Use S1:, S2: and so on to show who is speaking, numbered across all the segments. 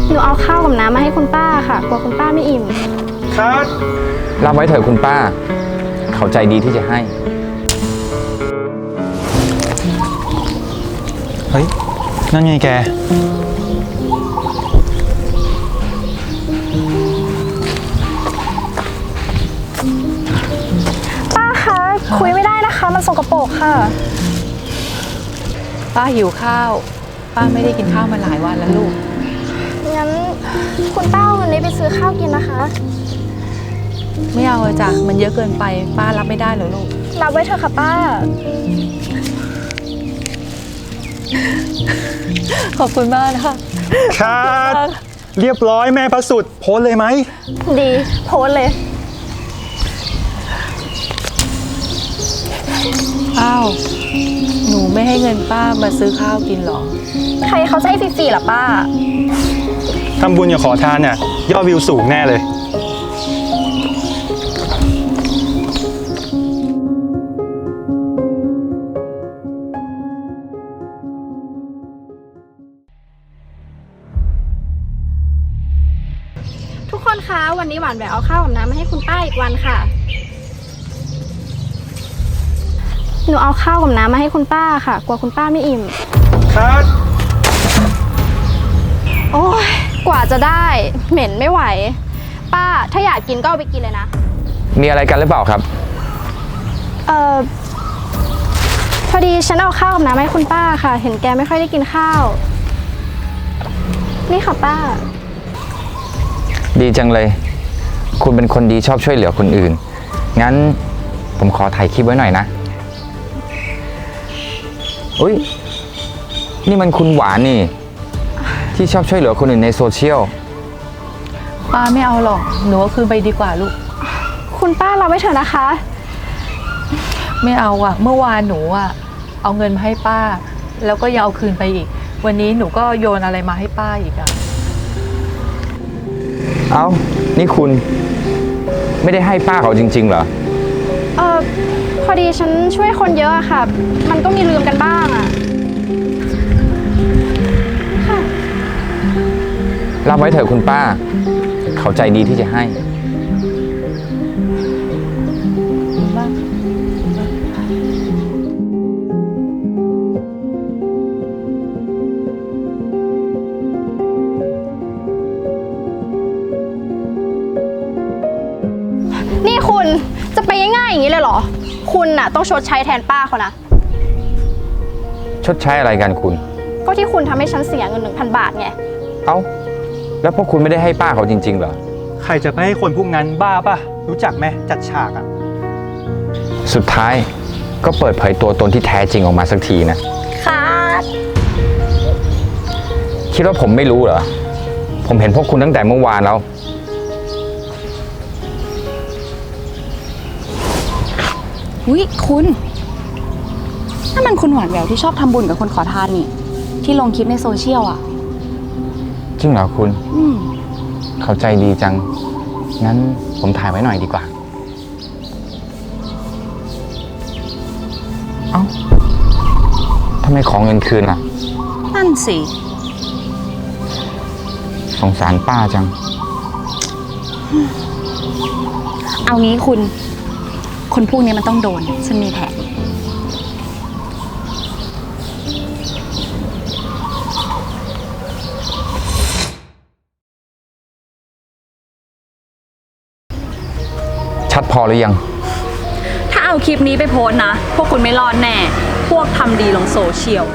S1: หนูเอาข้าวกับน้ำมาให้คุณป้าค่ะกลัวคุณป้าไม่อิ่ม
S2: ครับ
S3: รับไว้เถอะคุณป้า เขาใจดีที่จะให้
S2: เฮ้ย นั่นไงแก
S1: ป้าคะคุยไม่ได้นะคะมันสกปรกค่ะ
S4: ป้าหิวข้าว ป้าไม่ได้กินข้าวมาหลายวันแล้วลูก
S1: งั้นคุณป้าเอาเงินนี้ไปซื้อข้าวกินนะคะ
S4: ไม่เอาเลยจ้ะมันเยอะเกินไปป้ารับไม่ได้เหรอลูก
S1: รับไว้เถอะค่ะป้า
S4: ขอบคุณมากนะคะ
S2: ครับเรียบร้อยแม่พระสุดโพสเลยไหม
S1: ดีโพสเลย
S4: อ้าวหนูไม่ให้เงินป้ามาซื้อข้าวกินหรอ
S1: ใครเขาจะให้ฟรีๆล่ะป้า
S2: ทำบุญอย่าขอทานเนี่ยยอดวิวสูงแน่เลย
S1: ทุกคนคะวันนี้หวานแหววเอาข้าวกับน้ำมาให้คุณป้าอีกวันค่ะหนูเอาข้าวกับน้ำมาให้คุณป้าค่ะกลัวคุณป้าไม่อิ่ม
S2: ครับ
S1: โอ้ยกว่าจะได้เหม็นไม่ไหวป้าถ้าอยากกินก็เอาไปกินเลยนะ
S3: มีอะไรกันหรือเปล่าครับ
S1: พอดีฉันเอาข้าวกับน้ำมาให้คุณป้าค่ะเห็นแกไม่ค่อยได้กินข้าวนี่ค่ะป้า
S3: ดีจังเลยคุณเป็นคนดีชอบช่วยเหลือคนอื่นงั้นผมขอถ่ายคลิปไว้หน่อยนะอุ้ยนี่มันคุณหวานนี่ที่ชอบช่วยเหลือคนอื่นในโซเชียล
S4: ป้าไม่เอาหรอกหนูเอาคืนไปดีกว่าลูก
S1: คุณป้าเราไม่เถอะนะคะ
S4: ไม่เอาอ่ะเมื่อวานหนูอ่ะเอาเงินมาให้ป้าแล้วก็ยังเอาคืนไปอีกวันนี้หนูก็โยนอะไรมาให้ป้าอีกอ่ะ
S3: เอ้านี่คุณไม่ได้ให้ป้าเขาจริงๆเหรอ
S1: พอดีฉันช่วยคนเยอะอะค่ะมันก็มีลืมกันบ้างอะค่ะ
S3: รับไว้เถอะคุณป้าเขาใจดีที่จะให้
S1: นี่คุณจะไปง่ายๆอย่างนี้เลยเหรอคุณน่ะต้องชดใช้แทนป้าเขานะ
S3: ชดใช้อะไรกันคุณ
S1: ก็ที่คุณทำให้ฉันเสียเงิน 1,000 บาทไง
S3: เอ้าแล้วพวกคุณไม่ได้ให้ป้าเขาจริงๆเหรอ
S2: ใครจะไปให้คนพวกนั้นบ้าป่ะรู้จักไหมจัดฉากอ่ะ
S3: สุดท้ายก็เปิดเผยตัวตนที่แท้จริงออกมาสักทีนะ
S1: ค่ะ
S3: คิดว่าผมไม่รู้เหรอผมเห็นพวกคุณตั้งแต่เมื่อวานแล้ว
S5: อุ๊ยคุณนั่นมันคุณหวานแหววที่ชอบทำบุญกับคนขอทานนี่ที่ลงคลิปในโซเชียลอ่ะ
S3: จริงเหรอคุณเข้าใจดีจังงั้นผมถ่ายไว้หน่อยดีกว่าเอ้าทำไมขอเงินคืนล่ะ
S5: นั่นสิ
S3: สงสารป้าจัง
S5: เอางี้คุณคนพวกนี้มันต้องโดนฉันมีแผน
S3: ชัดพอหรือยัง
S5: ถ้าเอาคลิปนี้ไปโพสต์นะพวกคุณไม่รอดแน่พวกทำดีลงโซเชียล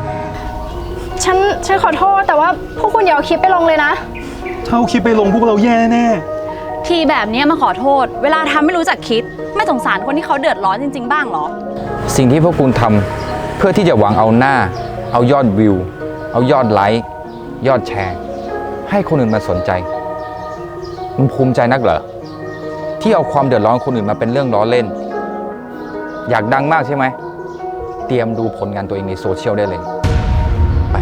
S1: ฉันขอโทษแต่ว่าพวกคุณอย่าเอาคลิปไปลงเลยนะ
S2: ถ้าเอาคลิปไปลงพวกเราแย่แน่
S5: ทีแบบนี้มาขอโทษเวลาทำไม่รู้จักคิดไม่สงสารคนที่เขาเดือดร้อนจริงๆบ้างหรอ
S3: สิ่งที่พวกคุณทำเพื่อที่จะหวังเอาหน้าเอายอดวิวเอายอดไลค์ยอดแชร์ให้คนอื่นมาสนใจมันภูมิใจนักเหรอที่เอาความเดือดร้อนคนอื่นมาเป็นเรื่องล้อเล่นอยากดังมากใช่ไหมเตรียมดูผลงานตัวเองในโซเชียลได้เลยไป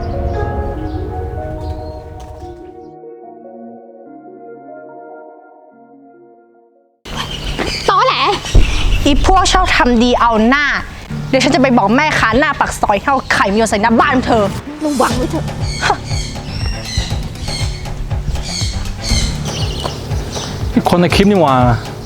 S1: ตอแหลอีพวกชอบทำดีเอาหน้าเดี๋ยวฉันจะไปบอกแม่ค้าหน้าปากซอยให้เอาไข่มีใส่หน้าบ้านเธอระวังไว้เถอะ
S2: คนในคลิปนี่หว่า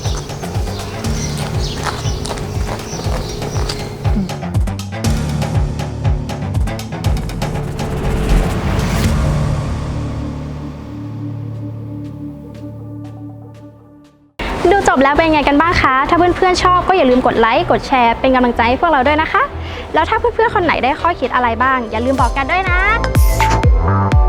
S1: ดูจบแล้วเป็นไงกันบ้างคะ ถ้าเพื่อนๆชอบก็อย่าลืมกดไลค์ กดแชร์ เป็นกำลังใจให้พวกเราด้วยนะคะ แล้วถ้าเพื่อนๆคนไหนได้ข้อคิดอะไรบ้าง อย่าลืมบอกกันด้วยนะ